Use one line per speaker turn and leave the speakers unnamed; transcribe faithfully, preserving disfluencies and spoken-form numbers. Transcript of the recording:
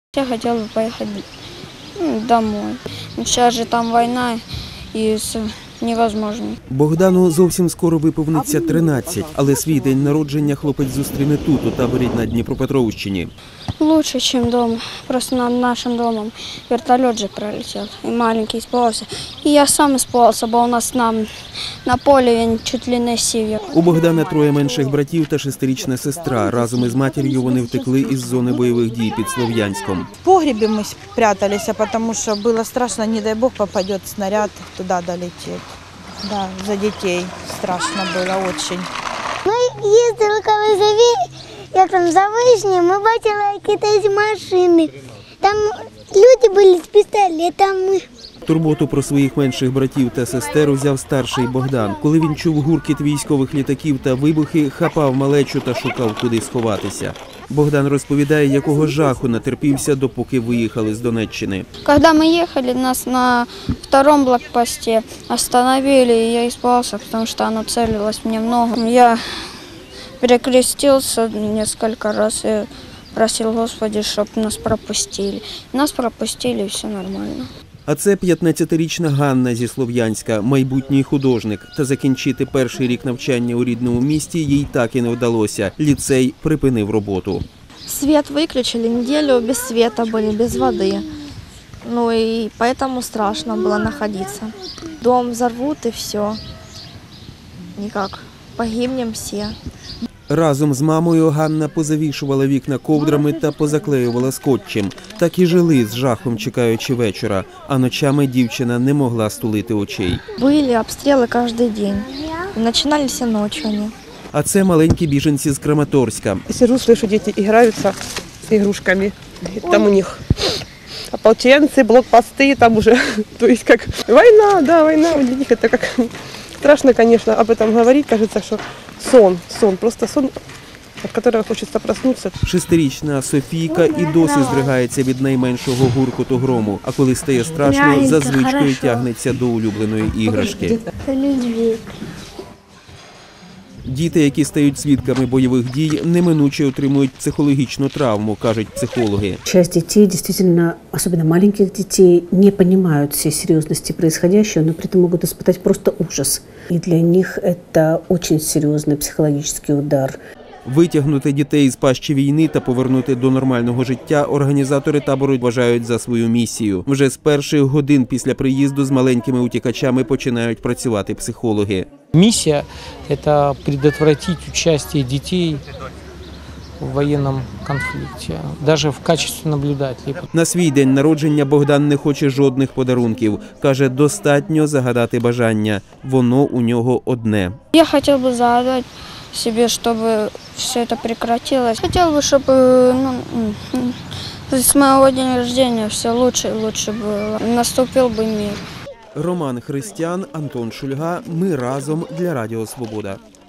Я хотел бы поехать домой. Сейчас же там война и невозможно.
Богдану зовсім скоро виповниться тринадцять, але свій день народження хлопець зустріне тут, у таборі на Дніпропетровщині.
Лучше, чем дома. Просто над нашим домом вертолет же пролетел, и маленький испугался. И я сам испугался, бо у нас на, на полі він чуть ли не сів.
У Богдана троє менших братів та шестирічна сестра. Разом із матір'ю вони втекли із зони бойових дій під Слов'янськом.
В погребе мы прятались, потому что было страшно, не дай бог попадет снаряд, туда долетит. Да, за детей страшно было очень.
Ми їздили коли за Ві... як там за Вишнею, ми бачили якісь машини. Там люди були з пістолетами.
Турботу про своїх менших братів та сестер взяв старший Богдан. Коли він чув гуркіт військових літаків та вибухи, хапав малечу та шукав, куди сховатися. Богдан розповідає, якого жаху натерпівся, допоки виїхали з Донеччини.
Когда мы ехали, нас на втором блокпосте остановили, и я испугался, потому что оно целилось мне в ногу. Я перекрестился несколько раз и просил Господи, чтобы нас пропустили. Нас пропустили, и все нормально.
А це п'ятнадцятирічна Ганна зі Слов'янська, майбутній художник. Та закінчити перший рік навчання у рідному місті їй так і не вдалося. Ліцей припинив роботу.
Свет выключили, неделю без света были, без воды. Ну и поэтому страшно было находиться. Дом взорвут и все. Никак. Погибнем все.
Разом з мамою Ганна позавішувала вікна ковдрами та позаклеювала скотчем. Так і жили з жахом, чекаючи вечора. А ночами дівчина не могла стулити очей.
Были обстрелы каждый день. И начинались и ночью они.
А це маленькі біженці з Краматорська.
Сижу, слышу, дети играются с игрушками. Там у них ополченцы, блокпосты, там уже, то есть как война, да, война. Для них это как страшно, конечно, об этом говорить. Кажется, что сон, сон, просто сон, від которого хочеться проснутися.
Шестирічна Софійка і досі здригається від найменшого гуркоту грому. А коли стає страшно, за звичкою тягнеться до улюбленої іграшки. Діти, які стають свідками бойових дій, неминуче отримують психологічну травму, кажуть психологи.
Часть детей, действительно, особенно маленьких детей, не понимают всей серьезности происходящего, но при этом могут испытать просто ужас. И для них это очень серьезный психологический удар.
Витягнути дітей з пащі війни та повернути до нормального життя організатори табору вважають за свою місію. Вже з перших годин після приїзду з маленькими утікачами починають працювати психологи.
Миссия – это предотвратить участие детей в военном конфликте, даже в качестве наблюдателей.
На свій день народження Богдан не хоче жодних подарунків. Каже, достатньо загадати бажання. Воно у нього одне.
Я хотел бы загадать себе, чтобы все это прекратилось. Хотел бы, чтобы ну, с моего дня рождения все лучше и лучше было. Наступил бы мир.
Роман Христян, Антон Шульга. Ми разом для Радіо Свобода.